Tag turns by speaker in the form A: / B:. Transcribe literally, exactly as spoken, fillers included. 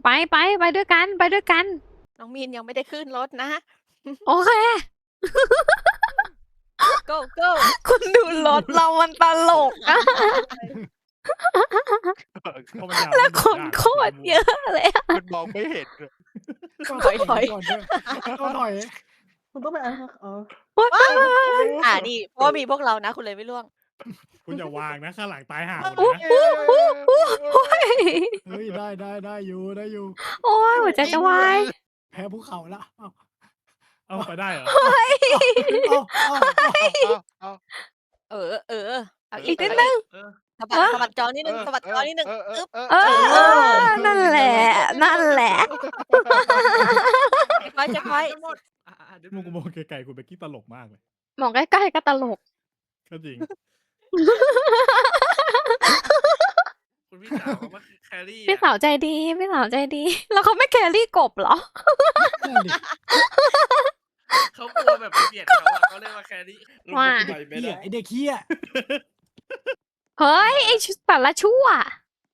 A: ไปไปไปด้วยกันไปด้วยกัน
B: น้องมีนยังไม่ได้ขึ้นรถนะ
A: โอเค
B: go go
A: คุณดูรถเรามันตลกอะ แล้วคนโคตรเยอะเลยอะ
C: มันมองไม่เห็นเลย
B: ถอยถอย
D: ก่อนด้วยต้องถอยคุณต้องไปอ่านเออ
B: อ่านี่เพราะว่ามีพวกเรานะ คุณเลยไม่ล่วง
E: คุณอย่าวางนะข้างหลังตายห่าหมด
A: อู้
E: นะ
A: อู้อู้อู้โอ้ย
D: เฮ้ยได้ได้ได้อยู่ได้อยู่
A: โอ้ยหัวใจจะวาย
D: แพ้ภูเขาละเอา
E: เอาไปได้เหรอ
D: เอาเอา
C: เอาเอา
B: เออเออเอา
A: อี
B: อี
A: ก
B: ก
A: นิดนึง
B: สะบัดสะบัดจอนิดนึงสะบัดจอนิดนึง
C: เออเออเออ
A: เออเออนั่นแหละนั่นแหละ
B: จะคอยจะคอย
E: มุกมองไกลๆคุณเบกกี้ตลกมากเลย
A: มองใกล้ๆก็ตลก
E: ก็จริง
F: คุณพี่สาวเขามาแครี่
A: พี่สาวใจดีพี่สาวใจดี แล้วเขาไม่แครี่กบเหรอ
D: นั่นดิ
F: เขากลัวแบบไปเบียดเขาอะเขาเลยมาแครี่
A: ว่า
F: ไปไม่
D: เหี้ย
F: ได้
D: ไอเด็กเหี้ย
A: เฮ้ยไอ้ชุดแต่ละชั่ว